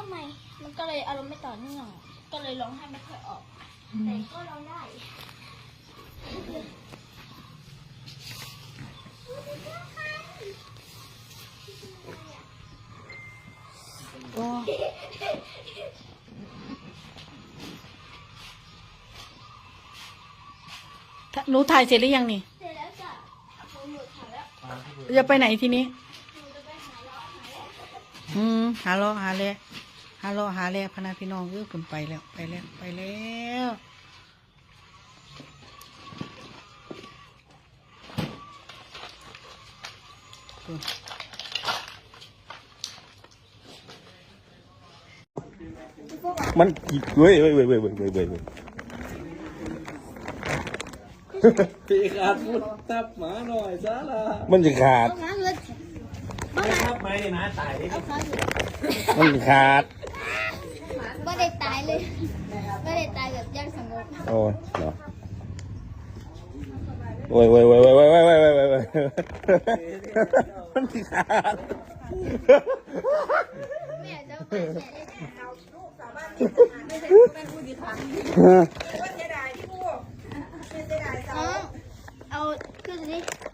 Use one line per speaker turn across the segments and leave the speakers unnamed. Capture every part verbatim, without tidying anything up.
ใหม่มันก็เลยอารมณ์ไม่ต่อเนื่องก็เลยร้องไห้ไม่ค่อยออกแต่ก็ร้องได้
โอ้หนูถ่ายเสร็จหรือยังนี่
เสร็จแล้วจ้ะผมหมดถ่ายแล้ว
จะไปไหนทีนี้
หนูจะไปหาล้อหาแร่
อืมหาล้อหาแร่หาล้อหาแร่พนักพี่น้องเออผมไปแล้วไปแล้วไปแล้ว
มันกี่เว้ยเว้ยเว้ยเว้ยเว้ยเว้ยเว้ยเว้ย
พี่ขาดพูดตับหมาหน่อยซะละ
มันจะขาด
เอาขาเลย
ไม่ทับไหมนะตาย
เอาขาอยู่
มันจะขาด
ไม่ได้ตายเลยไม่ได้ตายแบบยากสงบ
โอ้ยเหรอโอ้ยโอ้ยโอ้ยโอ้ยโอ้ยโอ้ยโอ้ยโอ้ยโอ้ยมันจะขาด
ไม่อยากจะไปแฉะเลยน้องเอาขึ้นสิ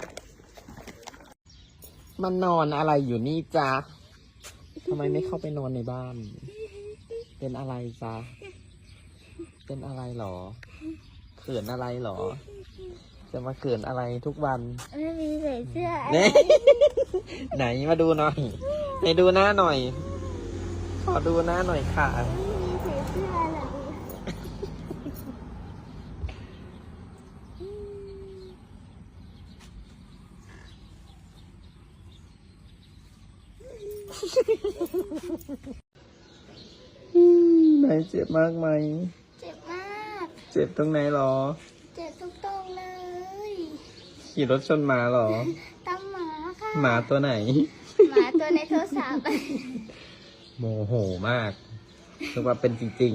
มันนอนอะไรอยู่นี่จ๊ะทำไมไม่เข้าไปนอนในบ้าน เป็นอะไรจ๊ะเป็นอะไรหรอเขินอะไรหรอ จะมาเขินอะไรทุกวัน
ไม่มีใส่เสื้อ
เนี่ยไหนมาดูหน่อยไหนดูหน้าหน่อย ขอดูหน้าหน่อยค่ะ
ไม่มีใส่เสื้ออะไร
ไหนเจ็บมากไหม
เจ็บมาก
เจ็บตรงไหนหรอ
เจ็บทุกตรงเลย
ขี่รถชนหมาหรอ
ตามหมาค่ะ
หมาตัวไหน
หมาตัวในโทรศัพท์
โมโหมากนึกว่าเป็นจริง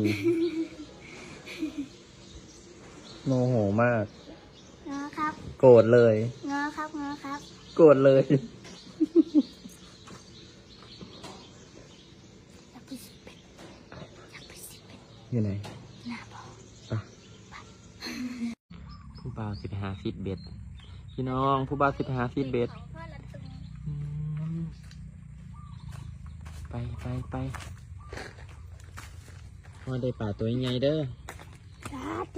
ๆ โมโหมาก
งอครับ
โกรธเลย
งอครับงอครับ
โกรธเลย
อยากไปสิเป็ดอยากไปสิเป็ด
อยู่ไหน
หน้าบอก
ผู้บ่าวสิบห้าฟีตเบ็ด พี่น้องผู้บ่าวสิบห้าฟีตเบ็ด
ของพ่อละตึง
ไปไปไปว่าได้ป่าตัวใหญ่เด้อ
สาธุ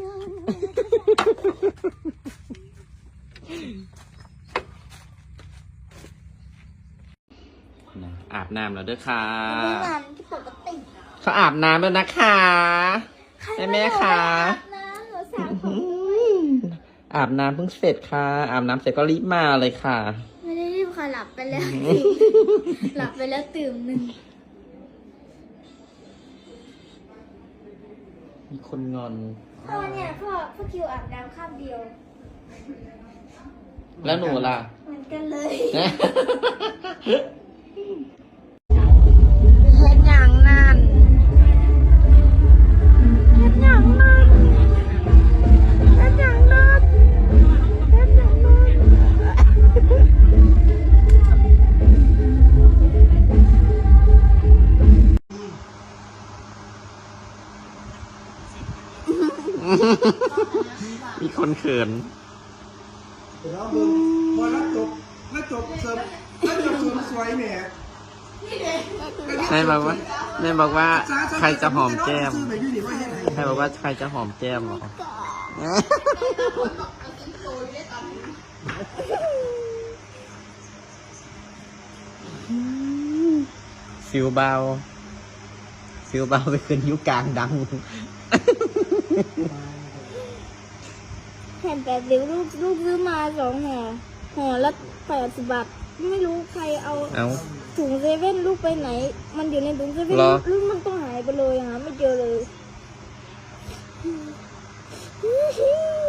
นะอาบน้ำแล้วเด้อค่ะ
ไม่งานที่ปกติ
เขาอาบน้ำแล้วนะคะแม่แม่ค่ะ
น้ำหนูสาวผม
อาบน้ำเพิ่งเสร็จค่ะ อาบน้ำเสร็จก็รีบมาเลยค่ะ
ไม่ได้รีบค่ะหลับไปแล้ว หลับไปแล้วตื่นหนึ่ง
มีคนงอน
พ่อเนี่ยพ่อพ่อคิวอาบน้ำข้ามเดียว
แล้วหนูล่ะ
เหมือนกันเลย
เฮ็ดหยังนั่นเฮ็ดหยังนั่นเฮ็ดหยังนั่นเฮ็ดหยังนั่น
มีคนเขิน
แล้วมึงพอแล้วจบแล้วจบเสริมแล้วจบเสริมสวยแหม่
แม่บอกว่าแม่บอกว่าใครจะหอมแก้ม ใครบอกว่าใครจะหอมแก้มหรอ ฟิวเบา ฟิวเบาไปขึ้นยุกลางดัง
แผ่นแปดสิบลูกลูกซื้อมาสองห่อห่อละแปดสิบบาทไม่รู้ใครเอา
เอา
ถุงเซเว่นลูกไปไหน มันอยู่ในถุงเซเว่น
เหรอ
ลูกมันต้องหายไปเลยหาไม่เจอเลย